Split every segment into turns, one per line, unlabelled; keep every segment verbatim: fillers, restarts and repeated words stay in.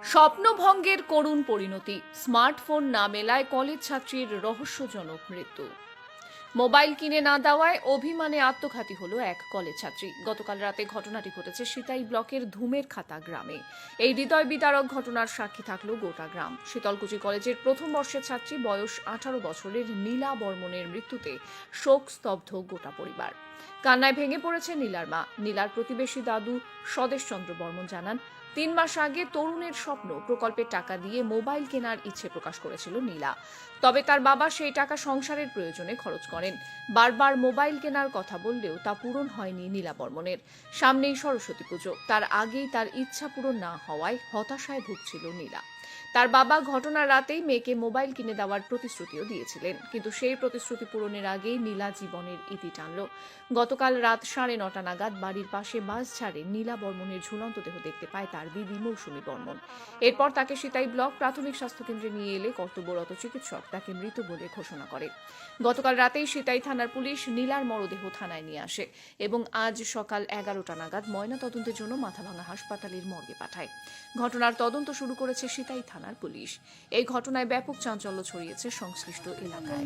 স্বপ্নভঙ্গের করুণ পরিণতি, স্মার্টফোন না মেলায় কলেজ ছাত্রীর রহস্যজনক মৃত্যু। মোবাইল কিনে না দেওয়ায় অভিমানে আত্মঘাতী হলো এক কলেজ ছাত্রী। গতকাল রাতে ঘটনাটি ঘটেছে সিতাই ব্লকের ধুমের খাতা গ্রামে। এই হৃদয় বিদারক ঘটনার সাক্ষী থাকলো গোটা গ্রাম। শীতলকুচি কলেজের প্রথম বর্ষের ছাত্রী বয়স আঠারো বছরের নীলা বর্মনের মৃত্যুতে শোক স্তব্ধ গোটা পরিবার। কান্নায় ভেঙে পড়েছে নীলার মা। নীলার প্রতিবেশী দাদু স্বদেশচন্দ্র বর্মন জানান, তিন মাস আগে তরুণের স্বপ্ন প্রকল্পের টাকা দিয়ে মোবাইল কেনার ইচ্ছে প্রকাশ করেছিল নীলা। তবে তার বাবা সেই টাকা সংসারের প্রয়োজনে খরচ করেন। বারবার মোবাইল কেনার কথা বললেও তা পূরণ হয়নি নীলা বর্মনের। সামনেই সরস্বতী পুজো, তার আগেই তার ইচ্ছা পূরণ না হওয়ায় হতাশায় ভুগছিল নীলা। তার বাবা ঘটনার রাতেই মেয়েকে মোবাইল কিনে দেওয়ার প্রতিশ্রুতিও দিয়েছিলেন, কিন্তু সেই প্রতিশ্রুতি পূরণের আগেই নীলা জীবনের ইতি টানল। গতকাল রাত সাড়ে নটা নাগাদ বাড়ির পাশে বাস ছাড়ে নীলা বর্মনের ঝুলন্ত দেহ দেখতে পায় তার দিদি মৌসুমী বর্মন। এরপর তাকে সিতাই ব্লক প্রাথমিক স্বাস্থ্যকেন্দ্রে নিয়ে এলে কর্তব্যরত চিকিৎসক তাকে মৃত বলে ঘোষণা করে। গতকাল রাতেই সিতাই থানার পুলিশ নীলার মরদেহ থানায় নিয়ে আসে এবং আজ সকাল এগারোটা নাগাদ ময়না তদন্তের জন্য মাথাভাঙা হাসপাতালের মর্গে পাঠায়। ঘটনার তদন্ত শুরু করেছে সিতাই থানার পুলিশ। এই ঘটনায় ব্যাপক চাঞ্চল্য ছড়িয়েছে সংশ্লিষ্ট এলাকায়।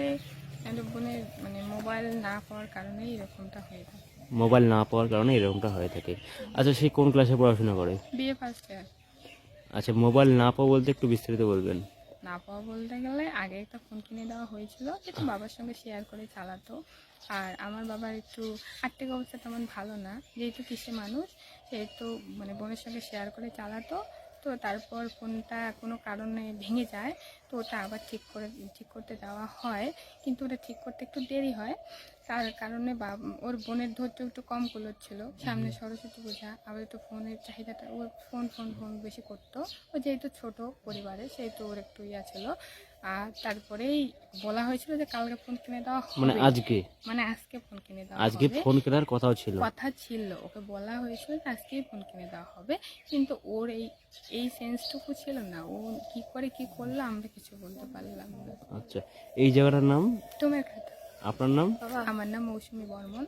মানে মোবাইল না পাওয়ার কারণে এরকমটা হয়ে থাকে।
মোবাইল না পাওয়ার কারণে এরকমটা হয়ে থাকে। আচ্ছা, সে কোন ক্লাসে পড়াশোনা করে?
BA first year.
আচ্ছা, মোবাইল না পাওয়া বলতে একটু বিস্তারিত বলবেন।
না পাওয়া বলতে গেলে আগে একটা ফোন কিনে দেওয়া হয়েছিল, যেটা বাবার সঙ্গে শেয়ার করে চালাতো। আর আমার বাবার একটু আর্থিক অবস্থা তেমন ভালো না, যেহেতু কৃষি মানুষ, সেহেতু মানে বোনের সঙ্গে শেয়ার করে চালাতো। তো তারপর ফোনটা কোনো কারণে ভেঙে যায়, তো ওটা আবার ঠিক করে ঠিক করতে দেওয়া হয়, কিন্তু ওটা ঠিক করতে একটু দেরি হয়। তার কারণে বা ওর বোনের ধৈর্য একটু কম কুলোচ্ছিল। সামনে সরস্বতী পূজা, আবার একটু ফোনের চাহিদাটা, ওর ফোন ফোন ফোন বেশি করতো। ও যেহেতু ছোট পরিবারে, সেহেতু ওর একটু ইয়া ছিল। আর তারপরেই বলা হয়েছিল যে কালকে ফোন কিনে দেওয়া হবে,
মানে আজকে
মানে আজকে ফোন কিনে দেওয়া
আজকে
হবে।
ফোন কেনার কথাও ছিল
কথা ছিল, ওকে বলা হয়েছিল যে আজকেই ফোন কিনে দেওয়া হবে, কিন্তু ওর এই এই সেন্সটুকু ছিল না। ও কি করে কি করলো আমরা কিছু বলতে পারলাম না।
আচ্ছা, এই জায়গাটার নাম?
তোমার খাতা।
আপনার নাম?
আমার নাম মৌসুমী বর্মন।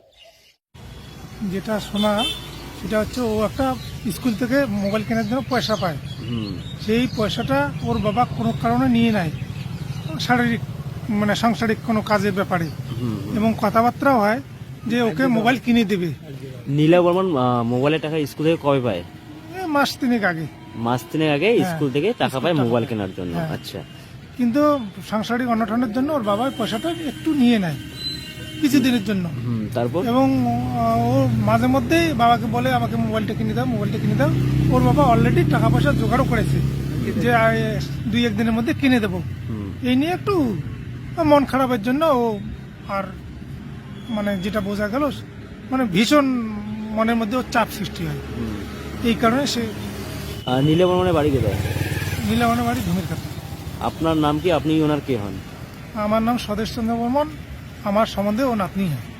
যেটা শোনা সেটা হচ্ছে, ও একটা স্কুল থেকে মোবাইল কেনার জন্য পয়সা পায়। সেই পয়সাটা ওর বাবা কোনো কারণে নিয়ে নেয়, শারীরিক মানে সাংসারিক কোনো কাজের ব্যাপারে, এবং কথাবার্তাও হয় যে ওকে মোবাইল কিনে দেবে।
নীলা বর্মন মোবাইলের টাকা স্কুল থেকে কবে পায়?
মাস তিনেক আগে।
মাস তিনেক আগে স্কুল থেকে টাকা পায় মোবাইল কেনার জন্য।
হ্যাঁ।
আচ্ছা,
কিন্তু সাংসারিক অনটনের জন্য ওর বাবা পয়সাটা একটু নিয়ে নেয় কিছুদিনের জন্য।
তারপর
এবং ও মাঝে মধ্যেই বাবাকে বলে আমাকে মোবাইলটা কিনে দাও, মোবাইলটা কিনে দাও। ওর বাবা অলরেডি টাকা পয়সা জোগাড়ও করেছে যে দুই একদিনের মধ্যে কিনে দেবো। এই নিয়ে একটু মন খারাপের জন্য ও, আর মানে যেটা বোঝা গেল, মানে ভীষণ মনের মধ্যে ওর চাপ সৃষ্টি হয়। এই কারণে সে।
নীলা বর্মনের বাড়ি কোথায়?
নীলাবনের বাড়ি ধুমের খাতা।
আপনার নাম কি? আপনি ওনার কে হন?
আমার নাম স্বদেশচন্দ্র বর্মন। আমার সম্বন্ধে ও নাতনি হয়।